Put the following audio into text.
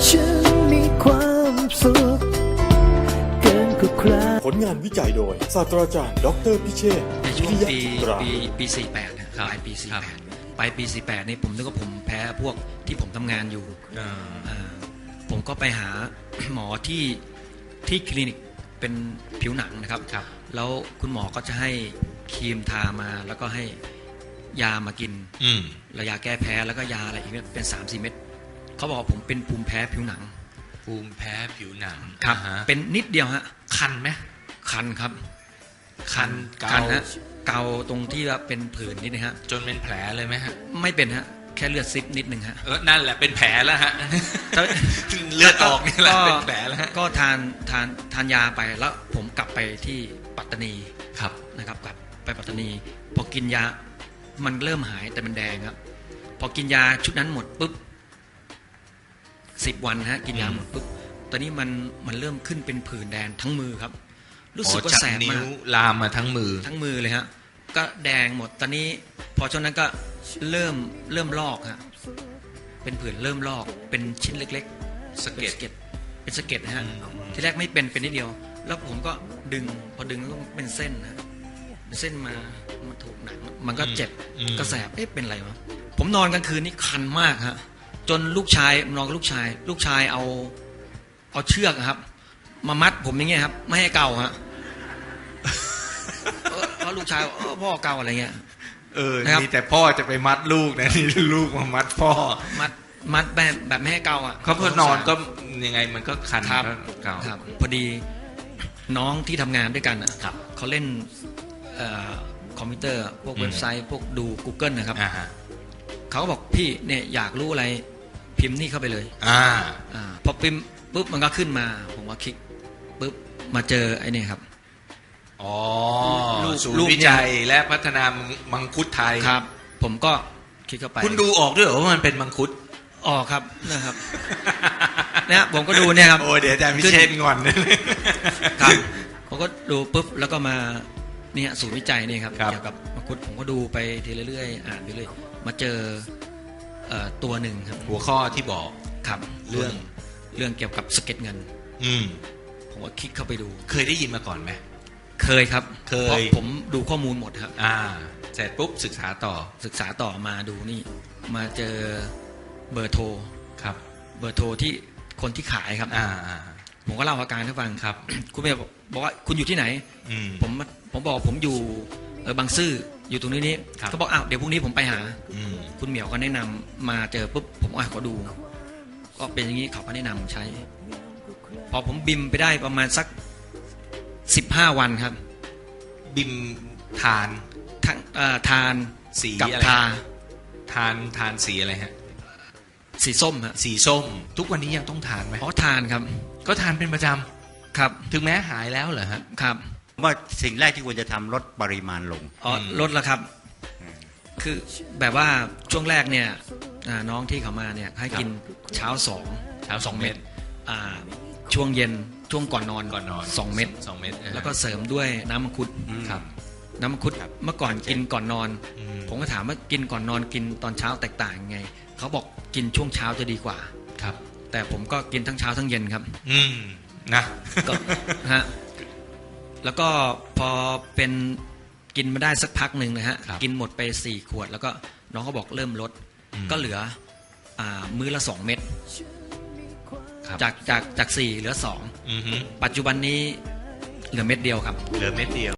ฉันมีความสุขเกินกว่าใครผลงานวิจัยโดยศาสตราจารย์ดร.พิเชษฐ์ในช่วงวิริยะจิตราปี 48นะปลายปี 48 ปลายปี 48นี่ผมนึกว่าผมแพ้พวกที่ผมทำงานอยู่ผมก็ไปหา หมอที่คลินิกเป็นผิวหนังนะครับแล้วคุณหมอก็จะให้ครีมทามาแล้วก็ให้ยามากินระยาแก้แพ้แล้วก็ยาอะไรอีกเป็น 3-4 เม็ดเขาบอกว่าผมเป็นภูมิแพ้ผิวหนังภูมิแพ้ผิวหนังครับเป็นนิดเดียวฮะคันไหมคันครับคันฮะเกาตรงที่ว่าเป็นผื่นนิดนะฮะจนเป็นแผลเลยไหมฮะไม่เป็นฮะแค่เลือดซิบนิดนึงฮะนั่นแหละเป็นแผลแล้วฮะเลือดออกนี่แหละเป็นแผลแล้วก็ทานยาไปแล้วผมกลับไปที่ปัตตานีครับนะครับกลับไปปัตตานีพอกินยามันเริ่มหายแต่มันแดงครับพอกินยาชุดนั้นหมดปุ๊บ10 วันฮะกินยาหมดปุ๊บตอนนี้มันเริ่มขึ้นเป็นผื่นแดงทั้งมือครับรู้สึกว่าแสบมากลามมาทั้งมือเลยฮะก็แดงหมดตอนนี้พอช่วงนั้นก็เริ่มลอกฮะเป็นผื่นเริ่มลอกเป็นชิ้นเล็กๆสะเก็ดเป็นสะเก็ดฮะที่แรกไม่เป็นนิดเดียวแล้วผมก็ดึงพอดึงก็เป็นเส้นนะเส้นมาถูกหนังมันก็เจ็บก็แสบเป็นอะไรวะผมนอนกลางคืนนี่คันมากฮะจนลูกชายนอนกับลูกชายเอาเชือกครับมามัดผมอย่างเงี้ยครับไม่ให้เกาฮะเพราะลูกชายพ่อเกาอะไรเงี้ยนี่แต่พ่อจะไปมัดลูกนะนี่ลูกมามัดพ่อมัดแบบไม่ให้เกาอ่ะเขาพอนอนก็ยังไงมันก็คันเกาพอดีน้องที่ทำงานด้วยกันอ่ะเขาเล่นคอมพิวเตอร์พวกเว็บไซต์พวกดู Google นะครับเขาก็บอกพี่เนี่ยอยากรู้อะไรพิมพ์นี่เข้าไปเลยพอพิมพ์ปุ๊บมันก็ขึ้นมาผมก็คลิกปุ๊บมาเจอไอ้นี่ครับศูนย์วิจัยและพัฒนามังคุดไทยครับผมก็คลิกเข้าไปคุณดูออกด้วยเหรอว่ามันเป็นมังคุดออกครับนะครับเนี่ยผมก็ดูเนี่ยครับโอ้เดี๋ยวอาจารย์พิเชษฐ์งอนครับผมก็ดูปุ๊บแล้วก็มาเนี่ยศูนย์วิจัยนี่ครับเกี่ยวกับมังคุดผมก็ดูไปทีเรื่อยๆอ่านไปเรื่อยมาเจอตัวหนึ่งครับหัวข้อที่บอกครับเรื่องเกี่ยวกับสะเก็ดเงินผมก็คลิกเข้าไปดูเคยได้ยินมาก่อนไหมเคยครับเพราะผมดูข้อมูลหมดครับเสร็จปุ๊บศึกษาต่อมาดูนี่มาเจอเบอร์โทรครับเบอร์โทรที่คนที่ขายครับผมก็เล่าอาการให้ฟังครับคุณเมย์บอกว่าคุณอยู่ที่ไหนผมบอกผมอยู่บางซื่ออยู่ตรงนี้เขาบอกอ้าวเดี๋ยวพรุ่งนี้ผมไปหาคุณเหมียวก็แนะนำมาเจอปุ๊บผมขอดูก็เป็นอย่างนี้เขาก็แนะนำใช้พอผมบิมไปได้ประมาณสัก15 วันครับบิมทานสีกับทานสีอะไรฮะสีส้มฮะสีส้มทุกวันนี้ยังต้องทานไหมทานครับก็ทานเป็นประจำครับถึงแม้หายแล้วเหรอฮะครับว่าสิ่งแรกที่ควรจะทำลดปริมาณลงลดแล้วครับคือแบบว่าช่วงแรกเนี่ยน้องที่เขามาเนี่ยให้กินเช้า2 เม็ดช่วงเย็นช่วงก่อนนอน2 เม็ดแล้วก็เสริมด้วยน้ำมังคุดครับน้ำมังคุดเมื่อก่อนกินก่อนนอนผมก็ถามว่ากินก่อนนอนกินตอนเช้าแตกต่างยังไงเขาบอกกินช่วงเช้าจะดีกว่าครับแต่ผมก็กินทั้งเช้าทั้งเย็นครับนะก็ฮะแล้วก็พอเป็นกินมาได้สักพักหนึ่งนะฮะกินหมดไป4 ขวดแล้วก็น้องเขาบอกเริ่มลดก็เหลือมื้อละ2 เม็ดจาก4เหลือ2ปัจจุบันนี้เหลือเม็ดเดียวครับเหลือเม็ดเดียว